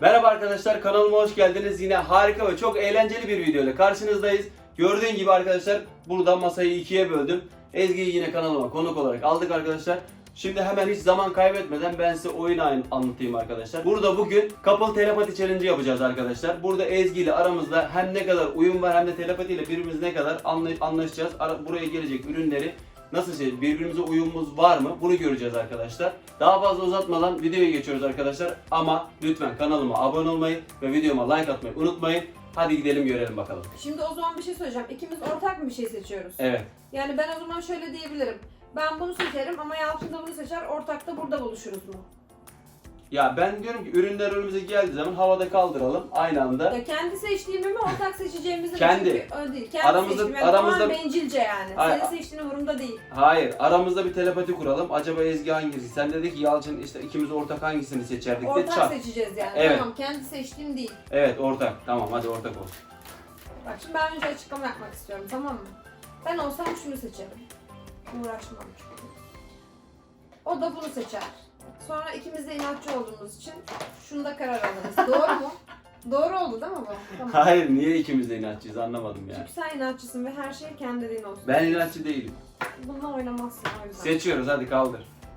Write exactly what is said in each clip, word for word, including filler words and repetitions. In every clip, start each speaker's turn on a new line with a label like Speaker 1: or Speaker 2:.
Speaker 1: Merhaba arkadaşlar, kanalıma hoş geldiniz. Yine harika ve çok eğlenceli bir video ile karşınızdayız. Gördüğün gibi arkadaşlar burada masayı ikiye böldüm. Ezgi'yi yine kanalıma konuk olarak aldık arkadaşlar. Şimdi hemen hiç zaman kaybetmeden ben size oyunu anlatayım arkadaşlar. Burada bugün Couple Telepati Challenge yapacağız arkadaşlar. Burada Ezgi ile aramızda hem ne kadar uyum var hem de telepati ile birbirimiz ne kadar anlaşacağız. Buraya gelecek ürünleri nasıl şey, birbirimize uyumumuz var mı? Bunu göreceğiz arkadaşlar. Daha fazla uzatmadan videoya geçiyoruz arkadaşlar. Ama lütfen kanalıma abone olmayı ve videoma like atmayı unutmayın. Hadi gidelim görelim bakalım.
Speaker 2: Şimdi o zaman bir şey söyleyeceğim. İkimiz ortak mı bir şey seçiyoruz?
Speaker 1: Evet.
Speaker 2: Yani ben o zaman şöyle diyebilirim. Ben bunu seçerim ama Yalçın da bunu seçer. Ortakta burada buluşuruz mu?
Speaker 1: Ya ben diyorum ki ürünler önümüze geldiği zaman havada kaldıralım aynı anda.
Speaker 2: Ya kendi seçtiğimi mi ortak seçeceğimizi mi?
Speaker 1: Kendi.
Speaker 2: Çünkü öyle değil. Kendi
Speaker 1: Aramızda-
Speaker 2: seçtiğim. Yani
Speaker 1: aramızda-
Speaker 2: tamamen bencilce yani.
Speaker 1: Hayır.
Speaker 2: Senin seçtiğin umurumda değil.
Speaker 1: Hayır, aramızda bir telepati kuralım. Acaba Ezgi hangisi? Sen dedi ki Yalçın işte ikimiz ortak hangisini seçerdik de
Speaker 2: Ortak
Speaker 1: çat.
Speaker 2: seçeceğiz yani.
Speaker 1: Evet.
Speaker 2: Tamam, kendi seçtiğim değil.
Speaker 1: Evet, ortak. Tamam, hadi ortak olsun.
Speaker 2: Bak şimdi ben önce açıklama yapmak istiyorum, tamam mı? Ben olsam şunu seçerim. Uğraşmam çünkü. O da bunu seçer. Sonra ikimiz de inatçı olduğumuz için şunda karar alırız. Doğru mu? Doğru oldu değil mi bu? Tamam.
Speaker 1: Hayır, niye ikimiz de inatçıyız anlamadım yani.
Speaker 2: Çünkü sen inatçısın ve her şey kendi dediğin olsun.
Speaker 1: Ben inatçı değilim.
Speaker 2: Bununla oynamazsın o yüzden.
Speaker 1: Seçiyoruz, hadi kaldır.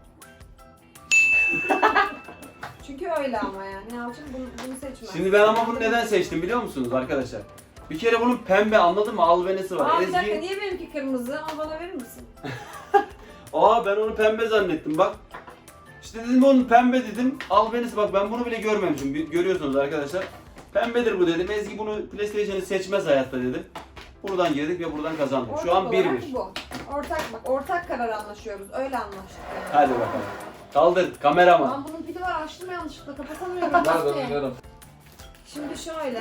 Speaker 2: Çünkü öyle ama yani. Yalçın bunu, bunu seçmez.
Speaker 1: Şimdi ben ama bunu neden seçtim biliyor musunuz arkadaşlar? Bir kere bunun pembe, anladın mı? Albenisi var.
Speaker 2: Aa bir dakika,
Speaker 1: Ezgi...
Speaker 2: niye benimki kırmızı? Ama bana verir misin?
Speaker 1: Aa ben onu pembe zannettim bak. İşte dedim onun pembe dedim. Albenisi bak, ben bunu bile görmemişim. Bir- Görüyorsunuz arkadaşlar. Pembedir bu dedim. Ezgi bunu PlayStation'ı seçmez hayatta dedim. Buradan girdik ve buradan kazandık.
Speaker 2: Ortak
Speaker 1: Şu an bir
Speaker 2: olarak
Speaker 1: bir.
Speaker 2: bu. Ortak bak, ortak karar anlaşıyoruz. Öyle anlaştık yani.
Speaker 1: Hadi bakalım. Kaldır kameraman.
Speaker 2: Lan bunun pili var, açtım yanlışlıkla, kapatamıyorum.
Speaker 3: Nereden
Speaker 2: Nasıl?
Speaker 3: oynarım?
Speaker 2: Şimdi şöyle.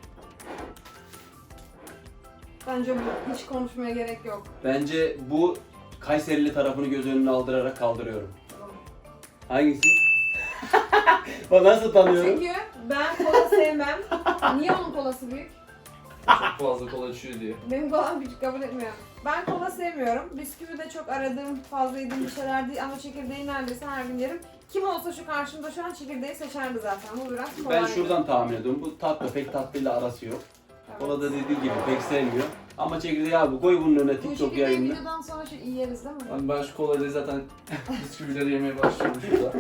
Speaker 2: Bence bu, hiç konuşmaya gerek yok.
Speaker 1: Bence bu Kayserili tarafını göz önüne aldırarak kaldırıyorum. Hangisi? Bak nasıl tanıyorum?
Speaker 2: Çünkü ben kola sevmem. Niye onun kolası büyük?
Speaker 3: Çok fazla kola içiyor diye.
Speaker 2: Benim kolam küçük, kabul etmiyorum. Ben kola sevmiyorum. Bisküvi de çok aradığım, fazla yediğim bir şeyler değil ama çekirdeği neredeyse her gün yerim. Kim olsa şu karşımda şu an çekirdeği seçerdi zaten. Bu biraz kolay.
Speaker 1: Ben şuradan tahmin ediyorum. Bu tatlı, pek tatlıyla arası yok.
Speaker 2: Evet.
Speaker 1: Kola da dediği gibi pek sevmiyor. Ama çekirdeği abi koy bunun önüne
Speaker 2: Bu
Speaker 1: TikTok
Speaker 2: çekirdeği
Speaker 1: yayınını.
Speaker 2: videodan sonra şu iyi yeriz değil mi?
Speaker 3: Ben, ben şu kolayla zaten bisküvileri yemeye başlıyorum şurada.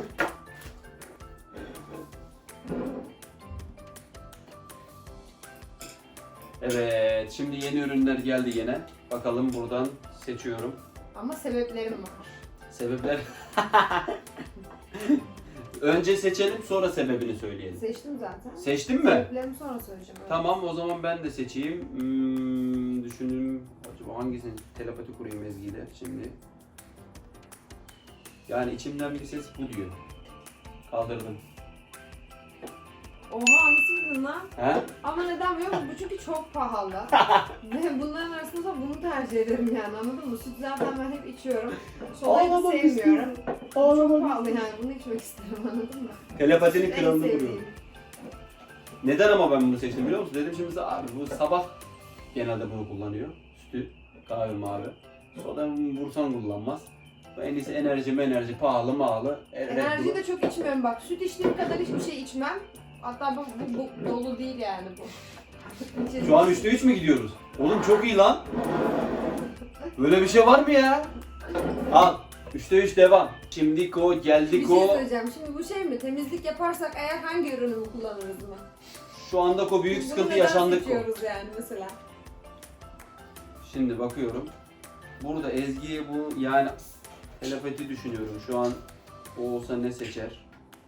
Speaker 1: Evet, şimdi yeni ürünler geldi yine. Bakalım buradan seçiyorum.
Speaker 2: Ama sebeplerim var.
Speaker 1: Sebepler... Önce seçelim, sonra sebebini söyleyelim.
Speaker 2: Seçtim zaten.
Speaker 1: Seçtin mi?
Speaker 2: Sebeplerimi sonra söyleyeceğim. evet.
Speaker 1: Tamam, o zaman ben de seçeyim. Hmm, düşünün, acaba hangisini telepati kurayım Ezgi'yle şimdi. Yani içimden bir ses bu diyor. Kaldırdım.
Speaker 2: Oha, nasıl bildin lan?
Speaker 1: He?
Speaker 2: Ama neden biliyor musun? Bu çünkü çok pahalı. Ve bunların arasında da bunu tercih ederim yani, anladın mı? Süt zaten ben hep içiyorum. Solayı da
Speaker 1: Ağlamak
Speaker 2: sevmiyorum. Bu çok
Speaker 1: Ağlamak
Speaker 2: pahalı yani, bunu içmek isterim, anladın mı?
Speaker 1: Telepatinin
Speaker 2: En
Speaker 1: kralını
Speaker 2: sevdiğim.
Speaker 1: kuruyorum. Neden ama ben bunu seçtim biliyor musun? Dedim şimdi abi bu sabah genelde bunu kullanıyor. Sütü, kahve mavi. Soda vursan kullanmaz. Bu en iyisi enerji enerji pahalı mahalı. E, Red
Speaker 2: Enerji
Speaker 1: Bull.
Speaker 2: de çok içmiyorum bak. Süt içtiğim kadar hiçbir şey içmem. Hatta bu, bu, bu dolu değil yani bu.
Speaker 1: Şu an üçte üç mü gidiyoruz? Oğlum çok iyi lan. Böyle bir şey var mı ya? Al. üçte üç devam. Şimdi ko
Speaker 2: Bir
Speaker 1: geldik
Speaker 2: şey
Speaker 1: o.
Speaker 2: söyleyeceğim. Şimdi bu şey mi? Temizlik yaparsak eğer hangi ürünümü kullanırız mı?
Speaker 1: Şu anda ko büyük
Speaker 2: Bunu
Speaker 1: sıkıntı
Speaker 2: neden
Speaker 1: yaşandık ko.
Speaker 2: seçiyoruz yani mesela?
Speaker 1: Şimdi bakıyorum. Burada Ezgi'ye bu yani telepati düşünüyorum. Şu an o olsa ne seçer?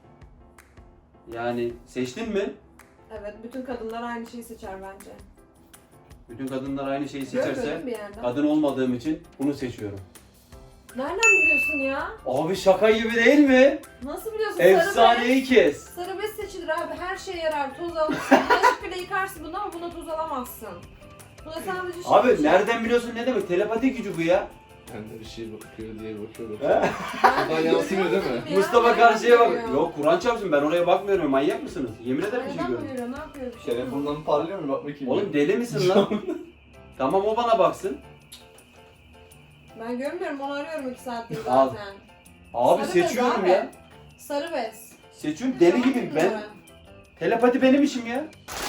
Speaker 1: Yani seçtin mi?
Speaker 2: Evet, bütün kadınlar aynı şeyi seçer bence.
Speaker 1: Bütün kadınlar aynı şeyi seçerse
Speaker 2: Görmedim bir yerden.
Speaker 1: kadın olmadığım için bunu seçiyorum.
Speaker 2: Nereden biliyorsun ya?
Speaker 1: Abi şaka gibi değil mi?
Speaker 2: Nasıl biliyorsun? Sarı bez.
Speaker 1: Efsaneyi kes.
Speaker 2: Sarı bez seçilir abi. Her şeye yarar. Toz alırsın. Bulaşık bile yıkarsın bunu ama buna toz alamazsın. Buna sadece şey
Speaker 1: Abi
Speaker 2: seçer.
Speaker 1: nereden biliyorsun ne demek? Telepati gücü bu ya.
Speaker 3: Kendi bir şey bakıyor diye bakıyor.
Speaker 1: He?
Speaker 3: bakıyor.
Speaker 2: Ben
Speaker 3: Buradan yansımıyor değil mi?
Speaker 2: Ya,
Speaker 1: Mustafa
Speaker 2: nereden
Speaker 1: karşıya bak.
Speaker 2: görüyor?
Speaker 1: Yok Kur'an çarpsın, ben oraya bakmıyorum. Manyak mısınız? Yemin ederim bir şey
Speaker 2: Nereden
Speaker 1: görüyorum.
Speaker 2: görüyor? Ne yapıyor bir şey?
Speaker 3: Telefondan parlıyor mu? Bak bakayım.
Speaker 1: Oğlum deli misin lan? Tamam o bana baksın.
Speaker 2: Ben görmüyorum. Onu arıyorum iki saattir
Speaker 1: Al.
Speaker 2: zaten.
Speaker 1: Abi
Speaker 2: Sarı bez
Speaker 1: seçiyorum
Speaker 2: abi.
Speaker 1: ya.
Speaker 2: Sarı bez.
Speaker 1: Seçiyorum deli
Speaker 2: Tamam
Speaker 1: gibi
Speaker 2: mı?
Speaker 1: ben. Telepati benim işim ya.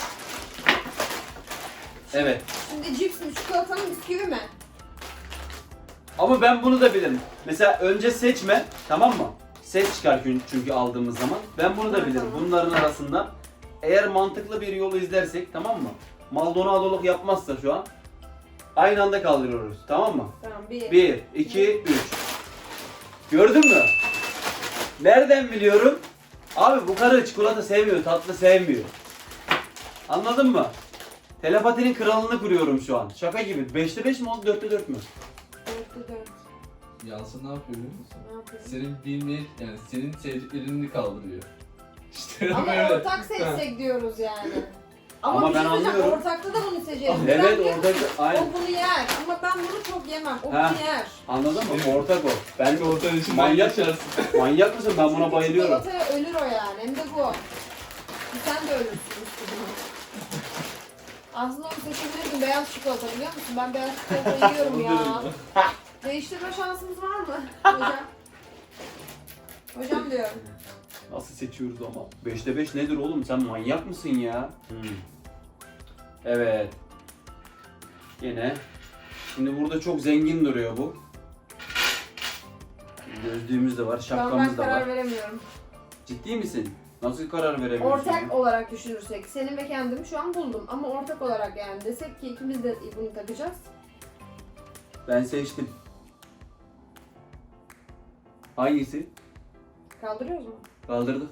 Speaker 1: Evet.
Speaker 2: Şimdi cips mi, çikolata mı, bisküvi mi?
Speaker 1: Ama ben bunu da bilirim. Mesela önce seçme, tamam mı? Ses çıkar çünkü- çünkü aldığımız zaman. Ben bunu da
Speaker 2: Ha,
Speaker 1: bilirim.
Speaker 2: tamam.
Speaker 1: Bunların arasında eğer mantıklı bir yolu izlersek, tamam mı? Maldonadoluk yapmazsa şu an aynı anda kaldırıyoruz, tamam mı?
Speaker 2: Tamam, bir.
Speaker 1: bir, iki, üç. Gördün mü? Nereden biliyorum? Abi bu karı çikolata sevmiyor, tatlı sevmiyor. Anladın mı? Telepatinin kralını kuruyorum şu an. Şaka gibi. beşte beş mi oldu, dörtte dört mü?
Speaker 2: Dörtte dört.
Speaker 3: Yansın ne yapıyor biliyor musun?
Speaker 2: Ne yapayım?
Speaker 3: Senin bilmeyip yani senin sevdiklerini kaldırıyor. İşte
Speaker 2: Ama
Speaker 3: böyle.
Speaker 2: ortak seçsek diyoruz yani. Ama,
Speaker 1: Ama
Speaker 2: bir
Speaker 1: ben
Speaker 2: şey söyleyeceğim,
Speaker 1: anlıyorum.
Speaker 2: ortakta da bunu seçeriz.
Speaker 1: Evet,
Speaker 2: Neden biliyor
Speaker 1: ortak-
Speaker 2: musun?
Speaker 1: aynen.
Speaker 2: O bunu yer ama ben bunu çok yemem. O
Speaker 1: Ha.
Speaker 2: bunu yer.
Speaker 1: Anladın mı? Ortak o. Ben
Speaker 3: Belki ortanın içinden
Speaker 1: Manyak.
Speaker 3: geçersin.
Speaker 1: manyak mısın? Ben buna
Speaker 2: Çünkü
Speaker 1: bayılıyorum.
Speaker 2: çikolataya ölür o yani. Hem de bu. Sen de ölürsün üstüne. Aslında onu seçebilirdim. Beyaz çikolata biliyor musun? Ben beyaz çikolata yiyorum ya. Değiştirme şansımız var mı hocam? Hocam diyorum.
Speaker 1: Nasıl seçiyoruz ama? beşte beş nedir oğlum? Sen manyak mısın ya? Hmm. Evet. Yine. Şimdi burada çok zengin duruyor bu. Gözlüğümüz de var,
Speaker 2: Şu an ben
Speaker 1: şapkamız da
Speaker 2: karar
Speaker 1: var.
Speaker 2: veremiyorum.
Speaker 1: Ciddi misin? Nasıl karar veremiyorsun?
Speaker 2: Ortak
Speaker 1: ya?
Speaker 2: olarak düşünürsek, senin ve kendimi şu an buldum. Ama ortak olarak yani desek ki ikimiz de bunu takacağız.
Speaker 1: Ben seçtim. Hangisi?
Speaker 2: Kaldırıyoruz mu?
Speaker 1: Kaldırdık.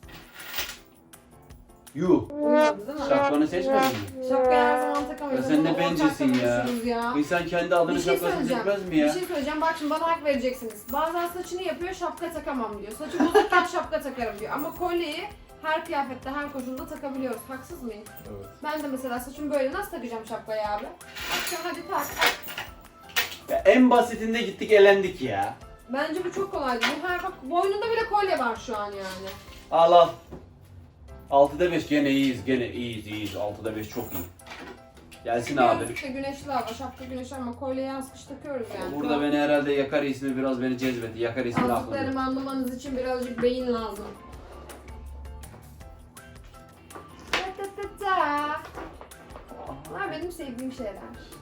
Speaker 1: Yuh.
Speaker 2: Uymadı değil mi?
Speaker 1: Şapkanı seçmedin mi?
Speaker 2: Şapkayı her zaman takamıyoruz.
Speaker 1: Ya sen ne
Speaker 2: Ama ortak
Speaker 1: bencilsin ya.
Speaker 2: konuşuruz ya.
Speaker 1: İnsan kendi adını
Speaker 2: Bir şey
Speaker 1: şapkasını
Speaker 2: söyleyeceğim.
Speaker 1: seçmez mi
Speaker 2: Bir
Speaker 1: ya?
Speaker 2: şey söyleyeceğim. Bak şimdi bana hak vereceksiniz. Bazen saçını yapıyor, şapka takamam diyor. Saçı bozukken şapka takarım diyor. Ama kolyeyi her kıyafette, her koşulda takabiliyoruz. Haksız mıyım?
Speaker 3: Evet.
Speaker 2: Ben de mesela saçım böyle nasıl takacağım şapkayı abi? Akşam hadi tak.
Speaker 1: Ya en basitinde gittik elendik ya.
Speaker 2: Bence bu çok kolaydı. Bu her bak boynunda bile kolye var şu an yani.
Speaker 1: Al al. altıda beş gene iyiyiz, gene iyiyiz, iyiyiz. altıda beş çok iyi. Gelsin abi.
Speaker 2: Gözlükte güneşli hava, şapka güneşli ama kolyeyi az kış takıyoruz yani.
Speaker 1: Burada beni herhalde Yakar ismi biraz beni cezbetti. Yakar ismi aklımda.
Speaker 2: Yazdıklarımı anlamanız için birazcık beyin lazım. Ta ta ta ta. Bunlar benim sevdiğim şeyler.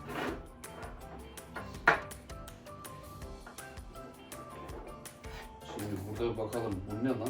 Speaker 1: Şimdi burada bakalım bu ne lan?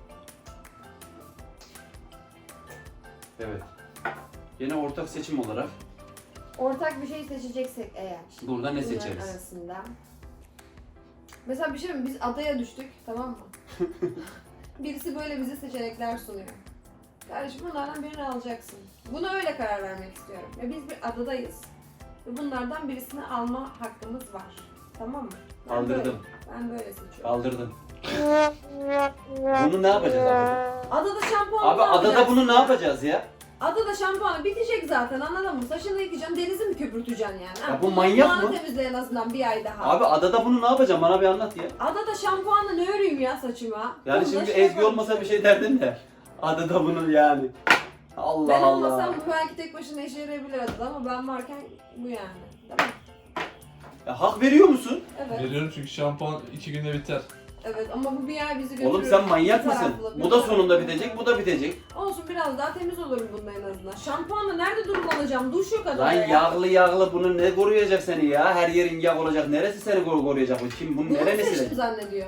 Speaker 1: Evet. Yine ortak seçim olarak
Speaker 2: Ortak bir şey seçeceksek eğer.
Speaker 1: burada ne
Speaker 2: bunların
Speaker 1: seçeriz?
Speaker 2: arasında. Mesela bir şey mi? Biz adaya düştük, tamam mı? Birisi böyle bize seçenekler sunuyor. Kardeşim bunlardan birini alacaksın. Buna öyle karar vermek istiyorum. Ve biz bir adadayız. Ve bunlardan birisini alma hakkımız var. Tamam mı? Ben
Speaker 1: Kaldırdım.
Speaker 2: Böyle, ben böyle seçiyorum.
Speaker 1: Kaldırdım. Bunu ne yapacağız adada?
Speaker 2: Adada şampuanı
Speaker 1: Abi
Speaker 2: ne
Speaker 1: adada
Speaker 2: yapacaksın
Speaker 1: bunu ne
Speaker 2: ya?
Speaker 1: yapacağız ya?
Speaker 2: Adada şampuanı bitecek zaten anladın mı? Saçını yıkayacaksın, denizi mi köpürteceksin yani? Ha,
Speaker 1: Ya bu manyak
Speaker 2: kulağını
Speaker 1: mı?
Speaker 2: temizle en azından bir ay daha.
Speaker 1: Abi adada bunu ne yapacağım? Bana bir anlat ya.
Speaker 2: Adada şampuanla ne öreyim ya saçıma?
Speaker 1: Yani
Speaker 2: Bunu da
Speaker 1: şimdi
Speaker 2: şey
Speaker 1: Ezgi
Speaker 2: yaparım
Speaker 1: olmasa bir
Speaker 2: işte.
Speaker 1: şey derdin de. Adada bunu yani. Allah
Speaker 2: Ben
Speaker 1: Allah.
Speaker 2: olmasam bu belki tek başına işe yarayabilir adada ama ben varken bu yani. Değil mi?
Speaker 1: Ya hak veriyor musun?
Speaker 2: Evet.
Speaker 3: Veriyorum çünkü şampuan iki günde biter.
Speaker 2: Evet ama bu bir ay bizi götürür.
Speaker 1: Oğlum sen manyak
Speaker 2: Bir
Speaker 1: mısın?
Speaker 2: taraflı, bir
Speaker 1: Bu da
Speaker 2: taraflı.
Speaker 1: sonunda bitecek, bu da bitecek.
Speaker 2: Olsun biraz daha temiz olurum bununla en azından. Şampuanla nerede durulanacağım? Duş yok adada
Speaker 1: Lan
Speaker 2: ya.
Speaker 1: yağlı yağlı bunu ne koruyacak seni ya? Her yerin yağ olacak. Neresi seni koru- koruyacak? Bu kim? Bunun
Speaker 2: Bunu
Speaker 1: neresi
Speaker 2: seçtim
Speaker 1: seni?
Speaker 2: zannediyor.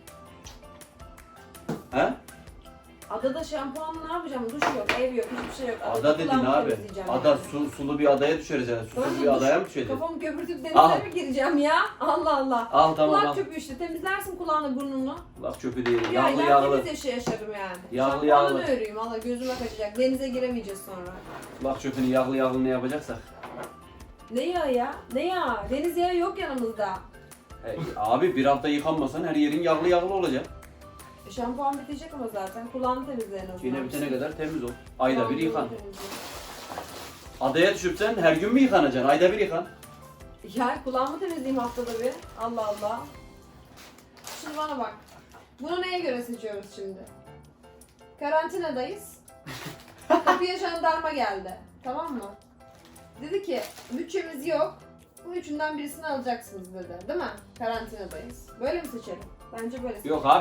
Speaker 1: Ha?
Speaker 2: Adada şampuanla ne yapacağım? Duş yok, ev yok, hiçbir şey yok.
Speaker 1: Ada dedin
Speaker 2: kulağımı
Speaker 1: abi.
Speaker 2: temizleyeceğim
Speaker 1: Ada
Speaker 2: yani.
Speaker 1: su, sulu bir adaya düşeriz yani.
Speaker 2: Tamam
Speaker 1: Susuz
Speaker 2: mı?
Speaker 1: bir
Speaker 2: Duş-
Speaker 1: adaya mı düşeceğiz?
Speaker 2: Kafamı köpürtüp denize
Speaker 1: Al.
Speaker 2: mi gireceğim ya? Allah Allah.
Speaker 1: Al tamam
Speaker 2: Kulak
Speaker 1: al.
Speaker 2: çöpü işte temizlersin kulağını burnunu.
Speaker 1: Laf çöpü değil.
Speaker 2: Ya
Speaker 1: Yağlı
Speaker 2: yağlı
Speaker 1: yağlı.
Speaker 2: temiz yaşa yaşarım yani.
Speaker 1: Yağlı
Speaker 2: Şampuanla
Speaker 1: yağlı.
Speaker 2: ne öreyim? Valla gözüme kaçacak. Denize giremeyeceğiz sonra.
Speaker 1: Laf çöpünü yağlı yağlı ne yapacaksak.
Speaker 2: Ne yağı ya? Ne yağı? Deniz yağı yok yanımızda.
Speaker 1: E, abi bir hafta yıkanmasan her yerin yağlı yağlı olacak.
Speaker 2: E, şampuan bitecek ama zaten. Kulağını temizle en azından.
Speaker 1: Yine bitene kadar temiz ol. Ayda bir
Speaker 2: Kulağını
Speaker 1: yıkan.
Speaker 2: temizle.
Speaker 1: Adaya düşüp sen her gün mü yıkanacaksın? Ayda bir yıkan.
Speaker 2: Ya kulağımı temizleyeyim haftada bir. Allah Allah. Şimdi bana bak. Bunu neye göre seçiyoruz şimdi? Karantinadayız. Kapıya jandarma geldi. Tamam mı? Dedi ki bütçemiz yok. Bu üçünden birisini alacaksınız dedi. Değil mi? Karantinadayız. Böyle mi seçelim? Bence böyle seçelim.
Speaker 1: Yok abi.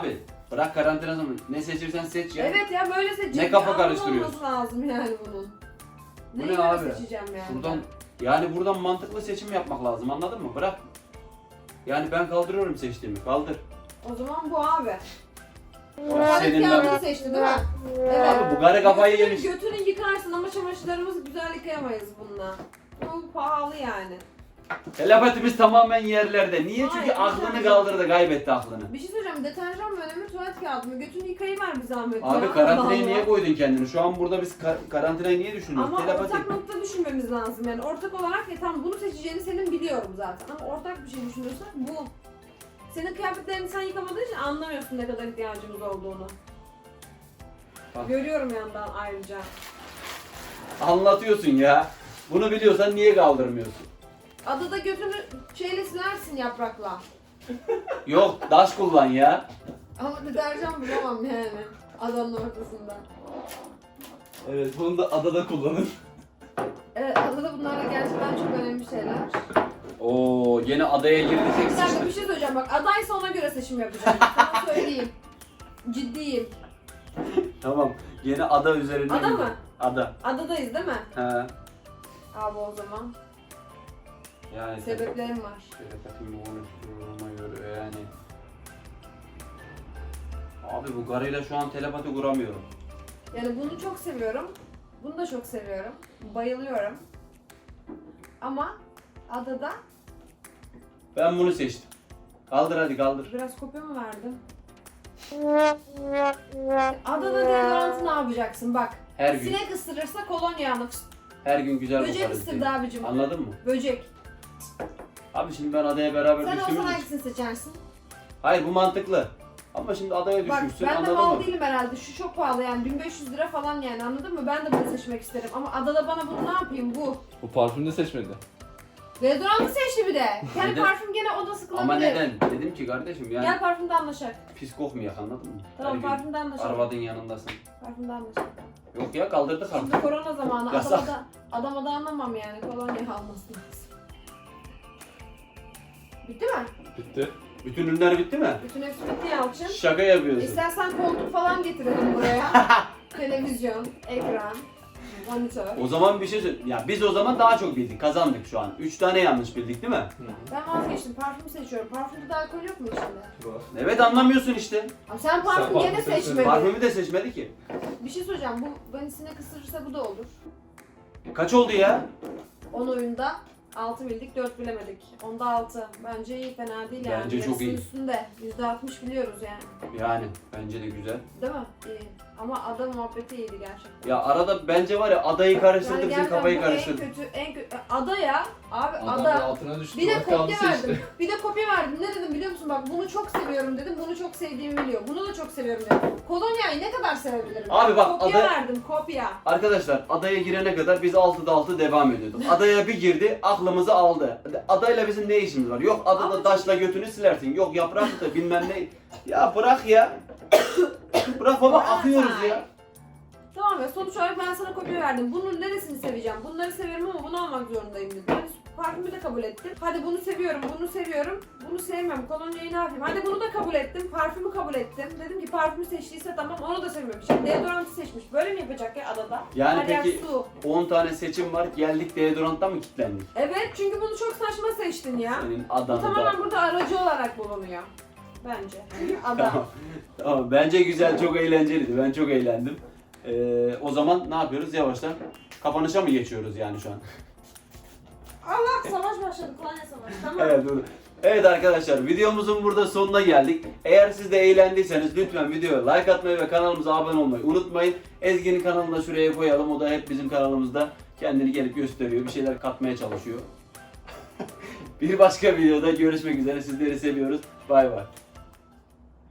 Speaker 1: Bırak karantina zamanı. Ne seçirsen seç ya.
Speaker 2: Evet ya böyle seçeceğim.
Speaker 1: Ne kafa
Speaker 2: Bir
Speaker 1: karıştırıyorsun?
Speaker 2: anlamı olması lazım yani bunun.
Speaker 1: Bu
Speaker 2: Neyi
Speaker 1: ne
Speaker 2: göre
Speaker 1: abi?
Speaker 2: seçeceğim yani?
Speaker 1: Buradan yani buradan mantıklı seçim yapmak lazım, anladın mı? Bırak. Yani ben kaldırıyorum seçtiğimi. Kaldır.
Speaker 2: O zaman bu abi.
Speaker 1: Senin
Speaker 2: Senin
Speaker 1: ben-
Speaker 2: kağıdını seçti değil mi? Evet.
Speaker 1: Abi bu gare kafayı
Speaker 2: Götünü-
Speaker 1: yemiş.
Speaker 2: Götünü yıkarsın ama çamaşırlarımızı güzel yıkayamayız bununla. Bu pahalı yani.
Speaker 1: Telepatimiz tamamen yerlerde. Niye? Çünkü
Speaker 2: Hayır,
Speaker 1: aklını
Speaker 2: hayır.
Speaker 1: kaldırdı, kaybetti aklını.
Speaker 2: Bir şey söyleyeceğim. Deterjan mı önemli, tuvalet kağıdı mı? Götünü yıkayıver bir zahmet
Speaker 1: Abi
Speaker 2: ya.
Speaker 1: karantinayı
Speaker 2: Allah
Speaker 1: niye
Speaker 2: Allah.
Speaker 1: koydun kendini? Şu an burada biz kar- karantinayı niye düşünüyoruz?
Speaker 2: Ama
Speaker 1: Telepati.
Speaker 2: ortak nokta düşünmemiz lazım yani. Ortak olarak ya tamam bunu seçeceğini senin biliyorum zaten. Ama ortak bir şey düşünüyorsak bu. Senin kıyafetlerini sen yıkamadığın için anlamıyorsun ne kadar ihtiyacımız olduğunu.
Speaker 1: Bak.
Speaker 2: Görüyorum yandan ayrıca.
Speaker 1: Anlatıyorsun ya. Bunu biliyorsan niye kaldırmıyorsun?
Speaker 2: Adada götünü şeyle silersin yaprakla.
Speaker 1: Yok, daş kullan ya.
Speaker 2: Ama deterjan bulamam yani adanın ortasında.
Speaker 3: Evet, bunu da adada kullanın.
Speaker 2: Evet adada bunlar da gerçekten çok önemli şeyler.
Speaker 1: Oo, yine adaya girdik.
Speaker 2: Bir dakika bir şey söyleyeceğim bak adaysa ona göre seçim yapacağım. Sana söyleyeyim. Ciddiyim.
Speaker 1: Tamam. Yine ada üzerine.
Speaker 2: Ada
Speaker 1: girdik.
Speaker 2: mı?
Speaker 1: Ada.
Speaker 2: Adadayız değil mi?
Speaker 1: He.
Speaker 2: Abi o zaman
Speaker 1: Yani
Speaker 2: sebeplerim var.
Speaker 1: Telepatimi oluşturduğuma göre yani. Abi bu garıyla şu an telepati kuramıyorum.
Speaker 2: Yani bunu çok seviyorum. Bunu da çok seviyorum. Bayılıyorum. Ama adada
Speaker 1: Ben bunu seçtim. Kaldır hadi kaldır.
Speaker 2: biraz kopya mı verdim? Adada deodorantı ne yapacaksın bak.
Speaker 1: Her gün.
Speaker 2: Sinek ısırırsa kolonya alır.
Speaker 1: Her gün güzel
Speaker 2: Böcek
Speaker 1: kokarız
Speaker 2: ısırdı
Speaker 1: diye.
Speaker 2: abicim.
Speaker 1: Anladın mı?
Speaker 2: Böcek.
Speaker 1: Abi şimdi ben adaya beraber
Speaker 2: Sen olsan
Speaker 1: düştüğümüz için.
Speaker 2: hangisini seçersin?
Speaker 1: Hayır bu mantıklı. Ama şimdi adaya
Speaker 2: Bak
Speaker 1: düşmüşsün,
Speaker 2: ben de
Speaker 1: anladın
Speaker 2: mal
Speaker 1: mı?
Speaker 2: değilim herhalde. Şu çok pahalı yani bin beş yüz lira falan yani anladın mı? Ben de bunu seçmek isterim. Ama adada bana bunu ne yapayım bu?
Speaker 3: Bu parfümü de seçmedi.
Speaker 2: Deodorantı seçti bir de. Yani
Speaker 1: Neden?
Speaker 2: parfüm gene o da sıkılabilir.
Speaker 1: Ama neden? Dedim ki kardeşim yani
Speaker 2: Gel parfümde anlaşak.
Speaker 1: pis kokmayak, anladın mı?
Speaker 2: Tamam
Speaker 1: Her gün
Speaker 2: parfümde anlaşak.
Speaker 1: arvadın yanındasın.
Speaker 2: Parfümde anlaşak.
Speaker 1: Yok ya, kaldırdık artık.
Speaker 2: Şimdi korona zamanı
Speaker 1: Yasak.
Speaker 2: adama da, adama da anlamam yani kolonya alması lazım. Bitti mi?
Speaker 3: Bitti.
Speaker 1: Bütün ürünler bitti mi?
Speaker 2: Bütün hepsi bitti Yalçın.
Speaker 1: Şaka yapıyorsun.
Speaker 2: İstersen koltuk falan getirelim buraya. Televizyon, ekran, monitör.
Speaker 1: O zaman bir şey söyle. Ya biz o zaman daha çok bildik. Kazandık şu an. Üç tane yanlış bildik değil mi?
Speaker 2: Ben vazgeçtim. Parfüm seçiyorum. Parfümde de alkol yok mu içinde?
Speaker 3: Var.
Speaker 1: Evet, anlamıyorsun işte.
Speaker 2: Ama sen parfüm
Speaker 3: Sen
Speaker 2: gene
Speaker 3: parfüm seçmedin.
Speaker 2: seçmedin.
Speaker 1: Parfümü de seçmedi ki.
Speaker 2: Bir şey söyleyeceğim. Bu beni sinek ısırırsa bu da olur.
Speaker 1: Kaç oldu ya?
Speaker 2: on oyunda altı bildik, dört bilemedik. Onda altı. Bence iyi, fena değil yani.
Speaker 1: Bence çok
Speaker 2: Yarısının
Speaker 1: iyi.
Speaker 2: üstünde. yüzde altmış biliyoruz yani.
Speaker 1: Yani bence de güzel.
Speaker 2: Değil mi? İyi. Ama ada muhabbeti iyiydi gerçekten.
Speaker 1: Ya arada bence var ya adayı karıştırdı, bizim
Speaker 2: gerçekten
Speaker 1: kafayı
Speaker 2: bu
Speaker 1: karıştırdı.
Speaker 2: En kötü, en kötü. Ada ya. Abi
Speaker 3: Adam
Speaker 2: ada.
Speaker 3: altına düştü.
Speaker 2: Bir de
Speaker 3: bak kaldı
Speaker 2: kopya
Speaker 3: seçti.
Speaker 2: verdim. Bir de kopya verdim. Ne dedim biliyor musun? Bak bunu çok seviyorum dedim. Bunu çok sevdiğimi biliyor. Bunu da çok seviyorum dedim. Kolonyayı ne kadar sevebilirim?
Speaker 1: Abi bak,
Speaker 2: kopya
Speaker 1: ada-
Speaker 2: verdim. Kopya.
Speaker 1: Arkadaşlar adaya girene kadar biz altıda altı devam ediyorduk. Adaya bir girdi, aklımızı aldı. Adayla bizim ne işimiz var? Yok adada
Speaker 2: Ama
Speaker 1: taşla götünü silersin. Yok yaprak da bilmem ne. Ya bırak ya. Bırak baba, akıyoruz ya.
Speaker 2: Tamam ya sonuç olarak ben sana kopya verdim. Bunun neresini seveceğim? Bunları severim ama bunu almak zorundayım dedim. Hadi parfümü de kabul ettim. Hadi bunu seviyorum, bunu seviyorum. Bunu sevmem. Kolonyayı ne yapayım? Hadi bunu da kabul ettim. Parfümü kabul ettim. Dedim ki parfümü seçtiyse tamam onu da sevmiyorum. Şimdi deodorantı seçmiş. Böyle mi yapacak ya adada?
Speaker 1: Yani
Speaker 2: Her yer
Speaker 1: peki
Speaker 2: su.
Speaker 1: on tane seçim var, geldik deodorantla mı kilitlendik?
Speaker 2: Evet çünkü bunu çok saçma seçtin ya.
Speaker 1: Senin
Speaker 2: Bu
Speaker 1: adanı
Speaker 2: tamamen
Speaker 1: da.
Speaker 2: burada aracı olarak bulunuyor. Bence. Ada.
Speaker 1: Tamam. Tamam, bence güzel, çok eğlenceliydi. Ben çok eğlendim. Ee, o zaman ne yapıyoruz? Yavaştan kapanışa mı geçiyoruz yani şu an?
Speaker 2: Allah savaş başladı. Kolonya savaşı. Tamam.
Speaker 1: Evet, dur. Evet arkadaşlar, videomuzun burada sonuna geldik. Eğer siz de eğlendiyseniz lütfen videoya like atmayı ve kanalımıza abone olmayı unutmayın. Ezgi'nin kanalını da şuraya koyalım. O da hep bizim kanalımızda kendini gelip gösteriyor. Bir şeyler katmaya çalışıyor. Bir başka videoda görüşmek üzere. Sizleri seviyoruz. Bay bay.